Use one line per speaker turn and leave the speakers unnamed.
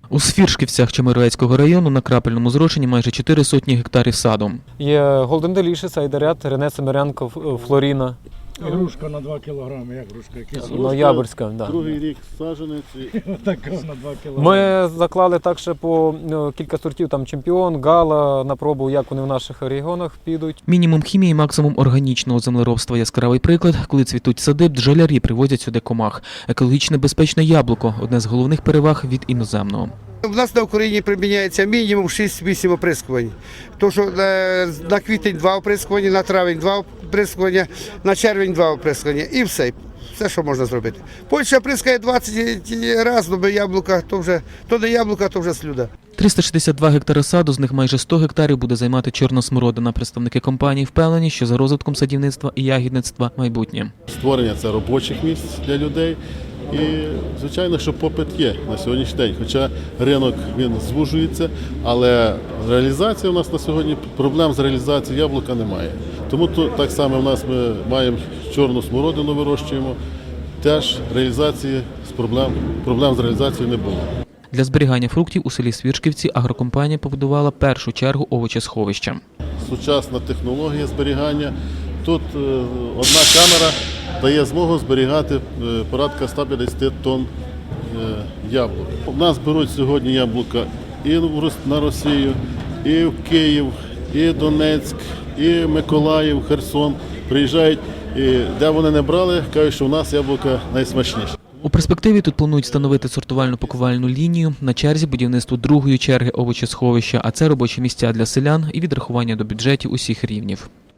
У Свіршківцях Чемеровецького району на крапельному зрошенні майже 4 сотні гектарів саду.
Є Golden Delicious, Айдарят, Рене Семеренко, Флоріна.
Грушка на 2 кілограми, як грушка? Якісь?
Ноябрьська, да.
Другий рік саджанець.
Така на 2 кілограми.
Ми заклали так ще по кілька сортів, там Чемпіон, Гала, на пробу, як вони в наших регіонах підуть.
Мінімум хімії, максимум органічного землеробства – яскравий приклад. Коли цвітуть сади, бджолярі привозять сюди комах. Екологічно безпечне яблуко – одне з головних переваг від іноземного.
У нас на Україні приміняється мінімум 6-8 оприскувань. Тому що на квітень 2 оприскування, на травень 2 оприскування, на червень 2 оприскування і все. Все, що можна зробити. Польща оприскає 20 разів, але яблука, то не яблука, то вже слюда.
362 гектари саду, з них майже 100 гектарів буде займати чорна смородина. Представники компанії впевнені, що за розвитком садівництва і ягідництва майбутнє.
Створення це робочих місць для людей. І, звичайно, що попит є на сьогоднішній день. Хоча ринок він звужується, але реалізація у нас на сьогодні, проблем з реалізацією яблука немає. Тому так само в нас ми маємо чорну смородину, вирощуємо. Теж реалізації проблем з реалізацією не було.
Для зберігання фруктів у селі Свіршківці агрокомпанія побудувала першу чергу овочесховища.
Сучасна технологія зберігання. Тут одна камера дає змогу зберігати порядка 150 тонн яблук. У нас беруть сьогодні яблука і на Росію, і в Київ, і Донецьк, і Миколаїв, Херсон. Приїжджають, і де вони не брали, кажуть, що у нас яблука найсмачніші.
У перспективі тут планують встановити сортувально-пакувальну лінію, на черзі будівництво другої черги овочесховища, а це робочі місця для селян і відрахування до бюджетів усіх рівнів.